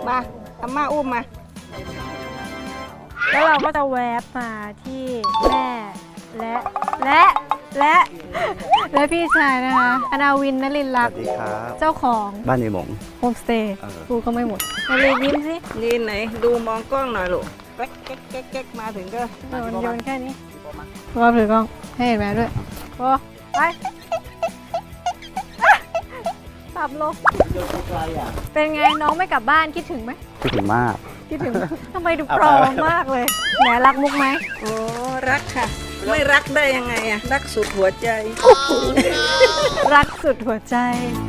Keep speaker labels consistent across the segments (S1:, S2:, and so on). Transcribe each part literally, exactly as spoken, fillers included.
S1: มาอาม่าอุ้มมา
S2: แล้วเราก็จะแวบมาที่แม่และและและและพี่ชายนะคะอนาวินนลินลักษณ์เจ้าของ
S3: บ้านในหมง
S2: โฮมสเตย์กูก็ไม่หมดนาลียิ้มสิ
S1: นี่ไหนดูมองกล้องหน่อยลูกแก๊กแก๊กแก๊กแก๊กมาถึงก็
S2: โยนโยนแค่นี้รอบถือกล้องให้เห็นแม่ด้วยโอ้ไปปรับลงเป็นไงน้องไม่กลับบ้านคิดถึงไหม
S3: คิดถึงมาก
S2: คิดถึงทำไมดูปลอมมากเลยแหมรักมุกไหม
S1: โอ้รักค่ะไม่รักได้ยังไงอะรักสุดหัวใจ
S2: รักสุดหัวใจ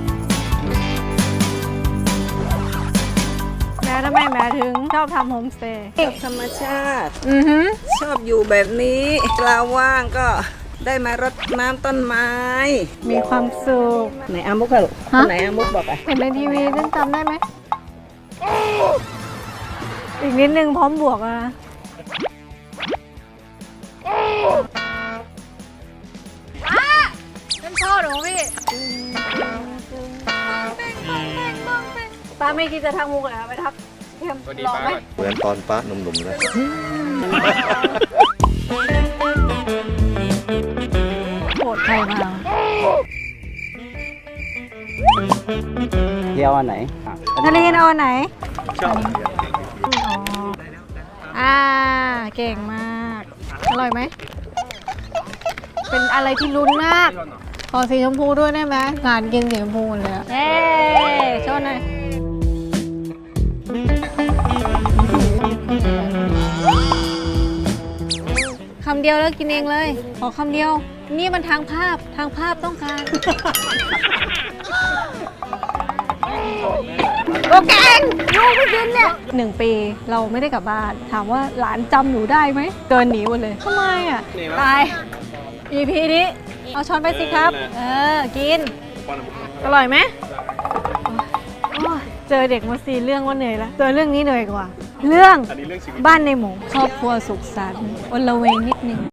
S2: แม่ทำไมแม่ถึงชอบทำโฮมสเตย์
S1: ชอบธรรมชาติ
S2: อือฮึ
S1: ชอบอยู่แบบนี้เวลาว่างก็ได้มารดน้ำต้นไม้
S2: มีความสุข
S1: ไหนอามุกค่ะลูกไหนอามุกบอกไป
S2: เห็นในทีวีซึ่งจำได้ไหมอีกนิดนึงพร้อมบวกนะป้าเป็นพ่อหนูพี่ป้าไม่คิดจะทักมุกเลยไปทักเทียมรอไหม
S3: เหมือนตอนป้าหนุ่มๆเลย
S2: โหดใครมา
S3: เที่ยวอันไหน
S2: นาลีนเอาไหนชอบอ่าเก่งมากอร่อยไหมเป็นอะไรที่ลุ้นมากขอสีชมพูด้วยได้ไหมงานกินสีชมพูเลยเฮ้โชว์หน่อยคำเดียวแล้วกินเองเลยขอคำเดียวนี่มันทางภาพทางภาพต้องการโอเคลูกไม่กินเนี่ยหนึ่งปีเราไม่ได้กลับบ้านถามว่าหลานจำหนูได้ไหมเกินหนีหมดเลยทำไมอ่ะตาย อี พี นี้เอาช้อนไปสิครับเออกินอร่อยไหมเจอเด็กมาซีเรื่องว่าเหนื่อยแล้วเจอเรื่องนี้เหนื่อยกว่าเรื่องบ้านในหมู่ครอบครัวสุขสันต์อลเวงนิดนึง